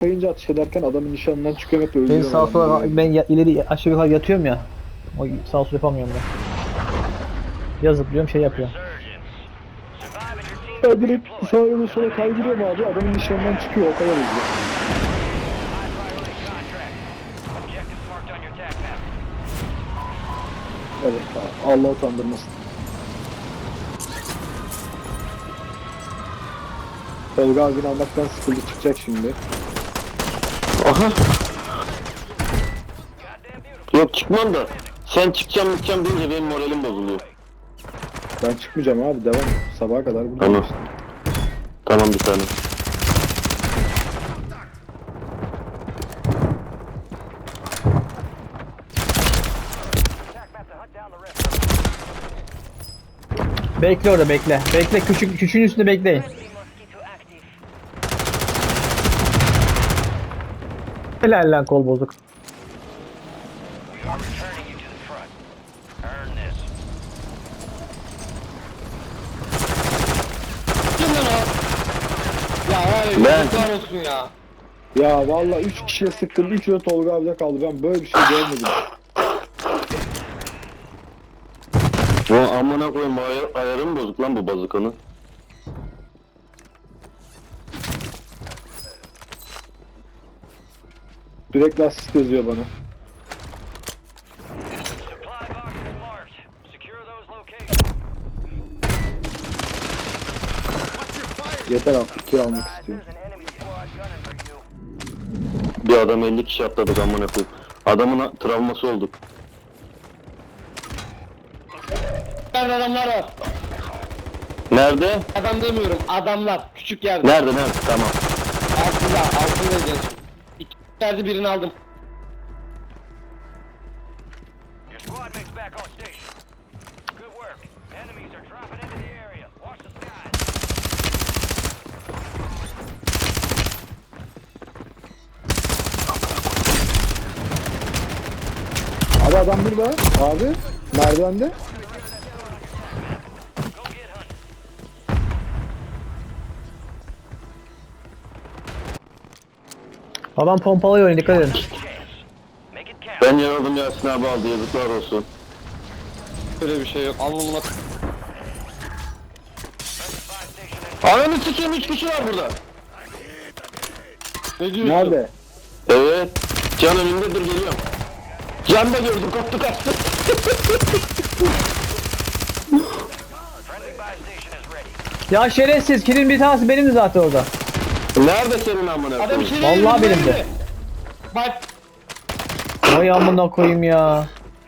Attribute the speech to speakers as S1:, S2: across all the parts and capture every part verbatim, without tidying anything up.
S1: Kayınca atış ederken adamın nişanından çıkıyor hep
S2: Ben
S1: öldürüyor.
S2: sağ sola ben ya, ileri aşağı yukarı yatıyorum ya. O sağ sol yapamıyorum ben. Ya zıplıyorum şey yapıyorum.
S1: Ya direkt sağa ya da sola kaydırıyor mu abi? Adamın nişanından çıkıyor o kadar hızlı. Evet Allah utandırmasın. Tolga abini almaktan sıkıldı çıkacak şimdi.
S3: Aha. Yok çıkmam da. Sen çıkacağım çıkacağım deyince benim moralim bozuluyor.
S1: Ben çıkmayacağım abi devam. Sabaha kadar buradayım
S3: Tamam.
S1: işte.
S3: Tamam bir tane.
S2: Bekle orada bekle. Bekle küçük küçüğün üstünde bekleyin. Helal lan kol bozuk.
S4: Ya hayır,
S3: Ben-
S4: yazıklar olsun ya.
S1: Ya vallahi üç kişiye sıktım. üçü de Tolga abiyle kaldı. Ben böyle bir şey görmedim.
S3: O amına koyayım ayar, ayarım bozuk lan bu bazukanın.
S1: Sürekli asist yazıyor bana. Yeter artık kill almak istiyorum.
S3: Bir adam elli kişi atladık amına koyayım. Adamın travması olduk.
S4: Nerede adamlar var?
S3: Nerede?
S4: Adam demiyorum, adamlar. Küçük yerde.
S3: Nerede nerede? Tamam.
S4: Altında, altında genç. İki yerde birini aldım.
S5: Your squad mates back on station. Good work. Enemies are dropping into the area. Watch the skies.
S1: Abi adam burada. Abi. Merdivende.
S5: Go get hunting.
S2: Adam pompalıyor oyunu dikkat edin.
S5: Make it count.
S3: Ben yaraldım Yasin abi aldı yazıklar olsun.
S4: Öyle bir şey yok. Alnımla
S3: Ananı sikeyim üç kişi var burada.
S4: ne diyorsun?
S1: Nerede?
S3: Evet. Can önümde dur geliyorum. Can da gördüm koptu kaçtı.
S5: Friendly buy station is ready.
S2: Ya şerefsiz kilin bir tanesi benim zaten orada.
S3: Nerede senin amına
S4: Adam
S3: koyayım?
S4: içeri
S2: Vallahi
S4: girdi,
S2: benim de.
S4: girdi. Bak,
S2: Vay amına koyayım ya.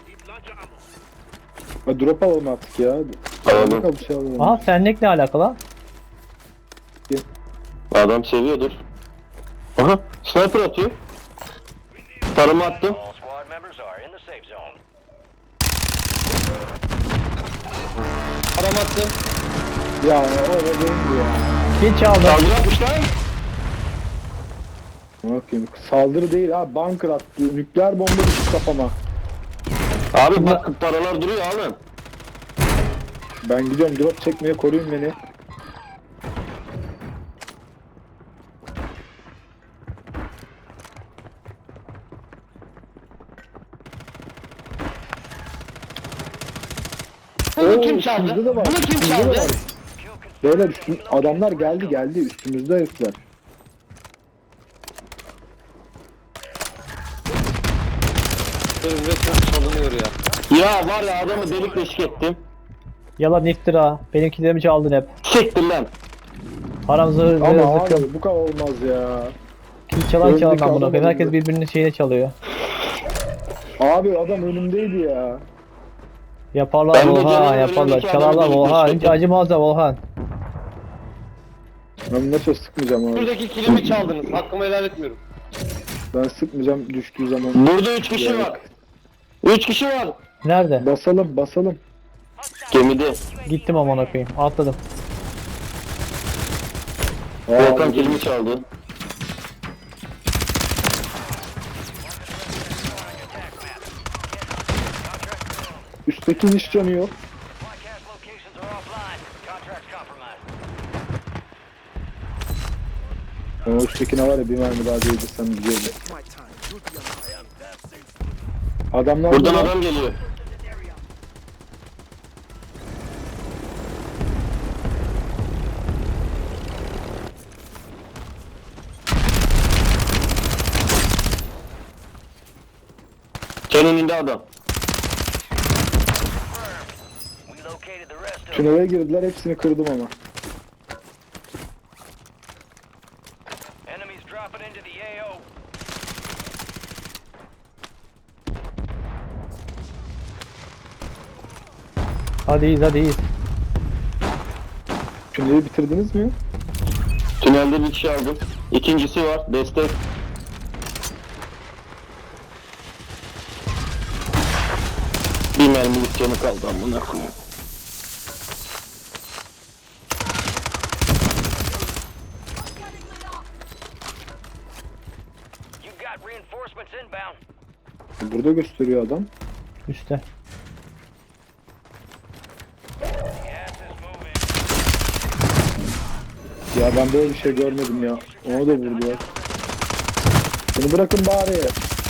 S1: Ha, drop alalım artık ya.
S3: Alalım.
S1: Bakalım bir şey alalım.
S2: Aha fennek ne alakalı?
S3: Adam seviyordur. Aha sniper atıyor. Tarımı attım.
S5: All squad members are in the safe zone.
S4: adam attı.
S1: Ya orada değildi ya.
S2: Kill çaldı.
S3: Saldırı atmış lan.
S1: Bakayım. Saldırı değil ha. Bunker attı. Nükleer bomba düştü kafama.
S3: Abi bak paralar duruyor abi.
S1: Ben gidiyorum drop çekmeye koruyun beni.
S4: Bunu
S1: Oo,
S4: kim çaldı?
S1: üstümüzde de var.
S4: Bunu kim
S1: Üstümüzde de
S4: çaldı?
S1: var. Beyler üstüm, adamlar geldi geldi üstümüzde herifler.
S4: Benim resmen çalınıyor ya.
S3: Ya var ya adamı delik deşik ettim.
S2: Yalan iftira. Benimkilerimi çaldın hep.
S3: Siktir lan.
S2: Param zırh
S1: Ama
S2: zırh zıkkım.
S1: abi bu kadar olmaz ya.
S2: Kill çalan çalan
S1: Öndeki
S2: amına
S1: adam
S2: koyayım. Herkes
S1: öldü.
S2: birbirinin şeyine çalıyor.
S1: Abi adam önümdeydi ya.
S2: Yaparlar
S3: Ben de
S2: Volhan
S3: canım
S2: yaparlar.
S3: önündeki
S2: Çalarlar
S3: adamı
S2: Volhan.
S3: delik
S2: Hiç acımazlar Volhan.
S1: Ben nasıl sıkmayacağım abi.
S4: Buradaki kilimi çaldınız. Hakkımı helal etmiyorum.
S1: Ben sıkmayacağım düştüğü zaman.
S3: Burada üç kişi var. Üç kişi var.
S2: Nerede?
S1: Basalım basalım.
S3: Gemide.
S2: Gittim amına koyayım. Atladım.
S1: Aa,
S3: Volkan
S1: abi,
S3: kilimi çaldı.
S1: Üstteki iş canı yok.
S5: Supply cache locations are offline. Contract's compromised.
S1: O Üsttekine var ya bir mermi daha değdirsem güzeldi. Adamlar
S3: Buradan
S1: burada.
S3: adam geliyor. Sen önünde adam.
S5: We located the rest of them.
S1: Tünele girdiler, hepsini kırdım ama.
S5: Enemies dropping into the A O.
S2: Hadi iyiyiz hadi iyiyiz.
S1: Tüneli bitirdiniz mi?
S3: Tünelde bir kişi aldım. İkincisi var. Destek. Bir mermilik canı kaldı amına koyayım.
S5: You got reinforcements inbound.
S1: Burada gösteriyor adam.
S2: Üste.
S5: Gas is moving.
S1: Ya ben böyle bir şey görmedim ya. Onu da vurdular. Beni bırakın bari.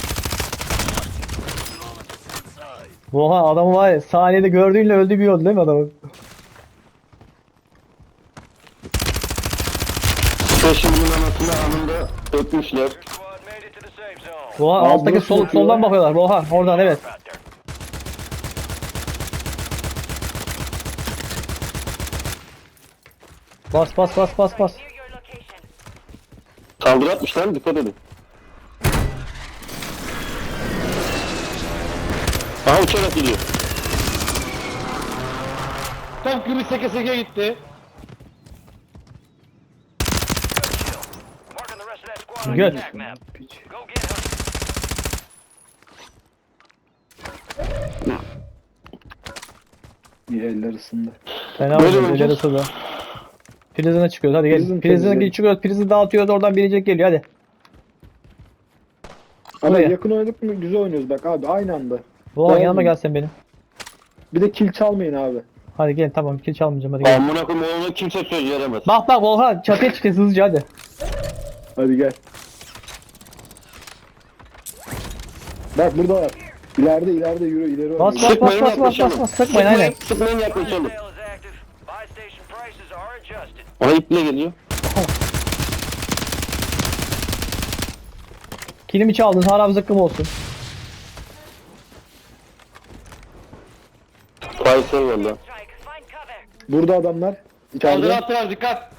S2: Oha adamı var ya saniyede gördüğünle öldü bir yol değil mi adamın?
S3: Peşimin anasını anında öpmüşler.
S5: Your squad made it to the safe zone.
S2: Oha
S1: Abi
S2: alttaki
S1: nasıl
S2: sol,
S1: bakıyor?
S2: soldan bakıyorlar. Oha oradan evet.
S5: Out there.
S2: Bas bas bas bas bas.
S5: Near your location.
S3: Saldırı atmışlar, dikkat edin. Aha uçarak gidiyor.
S4: Tam gibi seke seke gitti.
S5: Marking the rest of that squad on
S2: Good.
S5: your attack map.
S1: Piç.
S5: Go get him.
S1: İyi eller ısındı.
S2: Fena
S3: Böyle
S2: oldu.
S3: oynayacağız.
S2: İleri suda. Prizine çıkıyoruz hadi
S1: Prizin
S2: gelin. Prizine
S1: temizleyin.
S2: çıkıyoruz. Prizi dağıtıyoruz oradan bilecek geliyor hadi.
S1: Ama
S2: Buraya.
S1: yakın oynadık mı güzel oynuyoruz bak abi aynı anda.
S2: Oha
S1: Doğru
S2: yanıma
S1: mu?
S2: gelsen benim.
S1: Bir de kill çalmayın abi.
S2: Hadi gelin tamam kill çalmayacağım hadi gelin.
S3: Amına koyayım ona kimse söz veremez.
S2: Bak bak Volkan çatıya çıkacağız hızlıca hadi.
S1: Hadi gel. Bak burada var. İleride ileride yürü ileri
S2: Bas
S1: oynuyor.
S2: bas bas
S3: Sıkmayın,
S2: bas bas bas
S3: yaklaşalım.
S2: bas sıkmayın aynen.
S3: Sıkmayın yaklaşalım.
S5: Sale is active. Buy station prices are adjusted.
S3: Ona iple geliyor.
S2: Kilimi çaldın haram zıkkım olsun.
S3: Faysal valla.
S5: Strike. Find cover.
S1: Burada adamlar.
S4: Saldırı
S1: İçeride.
S4: attılar dikkat.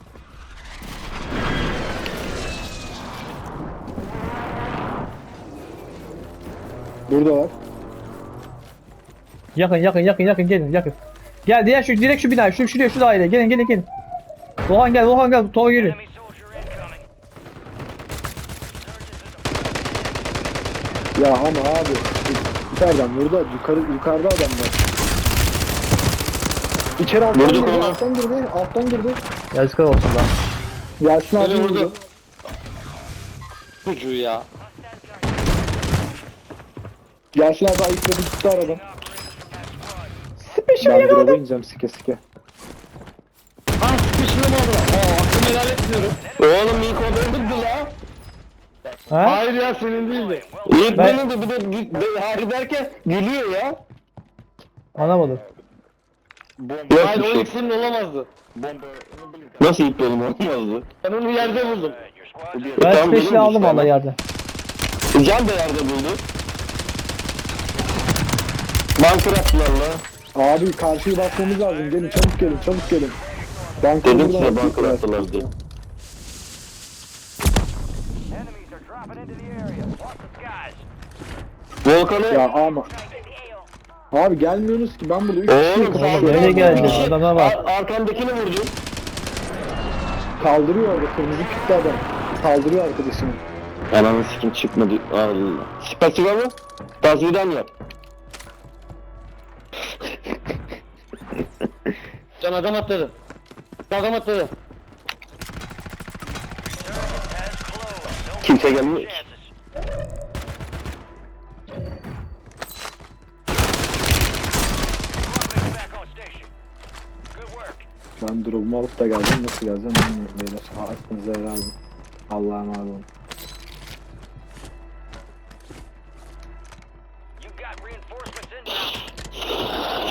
S1: Burada var.
S2: Yakın yakın yakın yakın gelin yakın. Gel diğer şu direkt şu binaya şu şuraya şu daireye gelin gelin gelin. Volkan gel Volkan gel Tova geliyor.
S5: Enemy soldier incoming.
S1: Ya ama abi. İçeriden burada yukarı yukarıda adamlar. İçeri alttan
S3: Vurduk
S1: girdi,
S3: onu.
S1: alttan girdi, alttan girdi.
S2: Yazıklar olsun lan.
S1: Yasin abi
S4: Beni vurdu.
S1: vurdu.
S4: Çocuğu ya.
S1: Yasin abi ayıkladı gitti aradan.
S2: Special
S1: Ben
S2: yakaladım.
S1: drop'a ineceğim sike sike.
S4: Ah sıkıştım orada. Aa aklımı helal etmiyorum.
S3: Oğlum ilk o benimdi la.
S2: Ha?
S4: Hayır ya senin değildi.
S3: İlk
S2: Ben-
S3: benimdi bir de gü- de- harbi derken gülüyor ya.
S2: Anlamadım.
S3: Yok
S4: Hayır
S3: bir
S4: o
S3: şey.
S4: ilk senin olamazdı.
S3: Nasıl ilk benim olmazdı?
S4: Ben onu yerde buldum.
S5: Alright, your squad's in.
S2: Ben
S3: Tamam,
S2: special
S3: benim
S2: aldım
S3: işte
S2: valla
S3: ama.
S2: yerden.
S3: Can da yerde buldu. Bunker attılar la.
S1: Abi karşıyı basmamız lazım. Gelin çabuk gelin çabuk gelin. Ben
S3: Dedim
S1: buradan
S3: size bunker
S1: attılar.
S3: attılar diye.
S5: Enemies are dropping into the area. Watch the skies.
S3: Volkan'ı
S1: Ya ama
S5: Strike in the A O.
S1: abi gelmiyorsunuz ki ben burada üç
S3: oğlum
S1: kişi
S3: saldırı
S2: nereye
S3: attılar.
S2: geldi? Adama bak.
S3: Ar- Arkamdakini vurdu.
S1: kaldırıyor orada kırmızı kütlü adam. Kaldırıyor arkadaşını.
S3: Ananı sikim çıkmadı. Allah. Spasiba mı? Tazvidan yap.
S4: Can adam atladı. Adam atladı.
S5: Has closed. Don't
S3: Kimse
S5: take
S3: gelmiyor.
S5: chances. Squad mates back on station. Good work.
S1: Ben drop'umu alıp da geldim. Nasıl geleceğim bilmiyorum beyler. Ha, aklınıza helal olsun. Allah'a emanet olun.
S5: You got reinforcements inbound.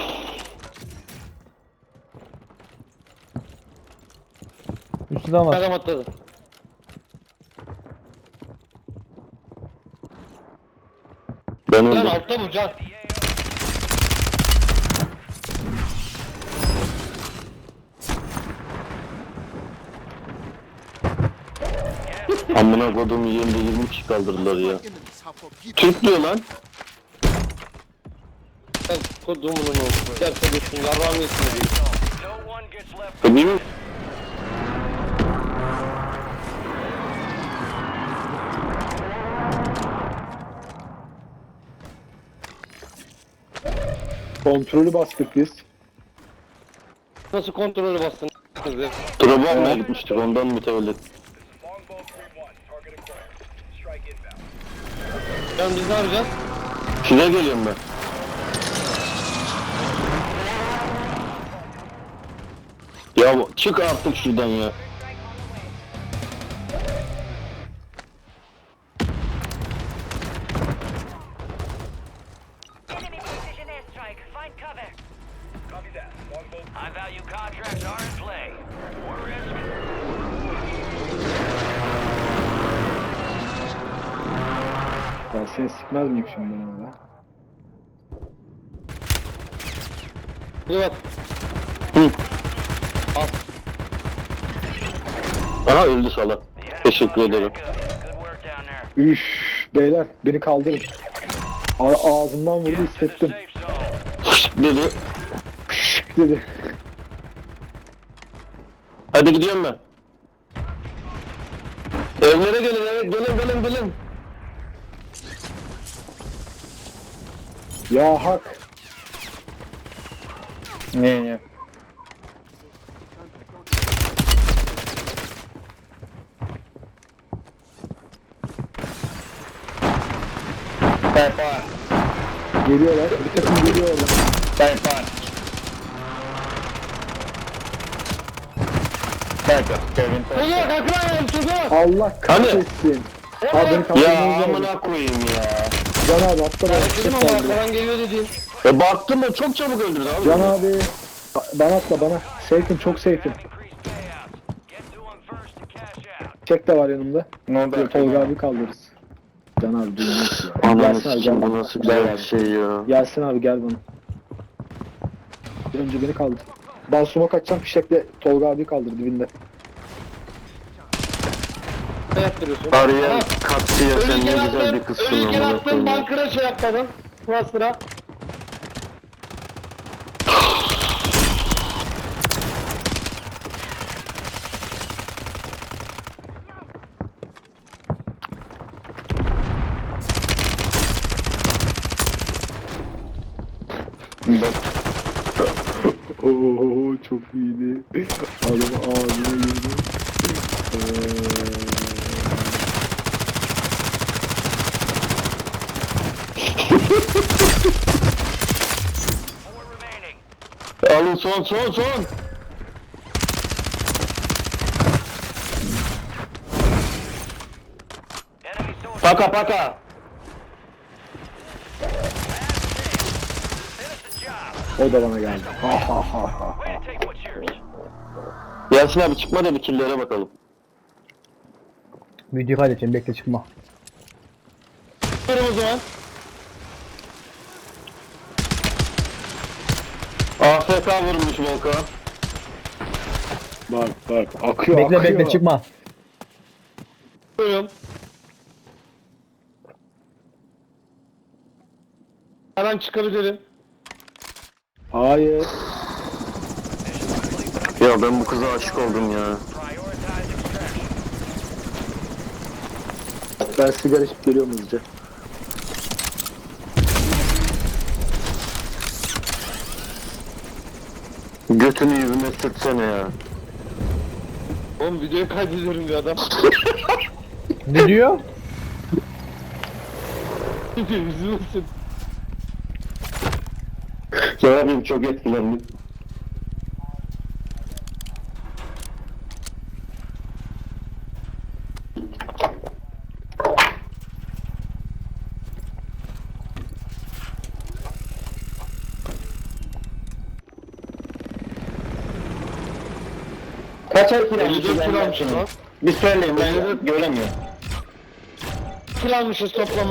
S2: Üstünden var.
S4: Adam atladı.
S3: Ben
S4: Can
S3: öldüm.
S4: altta bu can.
S3: Amına kodum yerinde yirmi kişi kaldırdılar ya. Türk diyor lan.
S4: Sen kodumunun olsun. Gel kodusun yarrağımı yesin diye.
S5: No one gets left.
S3: E, değil mi?
S1: Kontrolü bastık biz.
S4: Nasıl kontrolü bastın?
S3: Drop'u almaya gitmiştik ondan mütevellit.
S4: Can biz ne yapacağız?
S3: Size geliyorum ben. Ya çık artık şuradan ya.
S5: Enemy precision airstrike. Find cover. Copy that. High value contracts are in play. More risk.
S1: Ben seni sıkmaz mıyım şimdi ben orada?
S4: Bir bak.
S3: Hı.
S4: Al.
S3: Aha öldü salak.
S5: The enemy
S3: Teşekkür
S5: lost
S3: ederim.
S5: track of it. Good work down there.
S1: Üf beyler beni kaldırın. A- ağzımdan vurdu
S5: Get to the
S1: hissettim.
S5: safe zone.
S3: Dedi.
S1: Dedi.
S3: Hadi gidiyorum ben. Evlere gelin, evet gelin gelin gelin.
S1: Ya hak.
S3: Ne ne?
S1: Geliyorlar. Bir takım geliyorlar.
S4: Çocuğa kalkmayalım çocuğa.
S1: Allah kahretsin. Abi beni
S3: Ya
S1: kaldırmanız lazım.
S3: amına koyayım ya.
S1: Can abi atla bana.
S4: Dedim
S1: Çok
S4: ama
S1: kaldı.
S4: arkadan geliyor dedin.
S3: E baktım o çok çabuk öldürdü abi.
S1: Can abi. Ba- Bana atla bana. Safe'im çok safe'im.
S5: Have increased payouts. Get to them first to cash out.
S1: Çek de var yanımda.
S3: Ne oldu?
S1: Dur, Tolga abi kaldırırız. Can abi duymuş ya.
S3: Ananı
S1: Gelsin abi
S3: sikim
S1: gel.
S3: bu nasıl güzel bir şey ya.
S1: Gelsin abi gel bana. Önce beni kaldır. Ben smoke atacağım fişekle Tolga abi kaldır dibinde.
S4: Ne yaptırıyorsun?
S3: Arayan
S4: Ha,
S3: katsiye sen
S4: Ölürken
S3: ne güzel bir
S4: attın,
S3: kızsın
S4: ölürken
S3: amına
S4: attın,
S3: koyayım. ya.
S4: bankıra şey yapmadın. Sıra sıra.
S1: Oo çok iyiydi. Adam ağzına girdi.
S5: Four remaining.
S3: Alın son son son.
S5: Enemy soldier.
S3: Paka paka.
S5: Finish the job.
S1: O da bana geldi. Ha ha ha ha.
S5: Way to take what's yours.
S3: Yasin abi çıkma da bir killere bakalım.
S2: Video kaydedeceğim bekle çıkma.
S4: Durun o zaman.
S3: A F K vurmuş Volkan.
S1: Bak bak akıyor
S2: Bekle
S1: akıyor.
S2: bekle çıkma.
S4: Buyurun. Hemen çıkabilirim.
S1: Hayır.
S3: Ya ben bu kıza aşık oldum ya.
S5: Prioritize extraction.
S1: Ben sigara içip geliyorum hızlıca.
S3: Götünü yüzüme sürtsene ya.
S4: Oğlum videoyu kaydediyorum bir adam.
S2: Ne diyor?
S4: Yüzüme sık.
S3: Ya abim çok etkilendim.
S4: Kaçar kill
S3: elli
S4: almışız?
S3: dört kill
S4: ben
S3: almışız
S4: bakayım.
S3: lan.
S4: Bir söyleyin ben göremiyorum.
S3: Kill almışız toplam.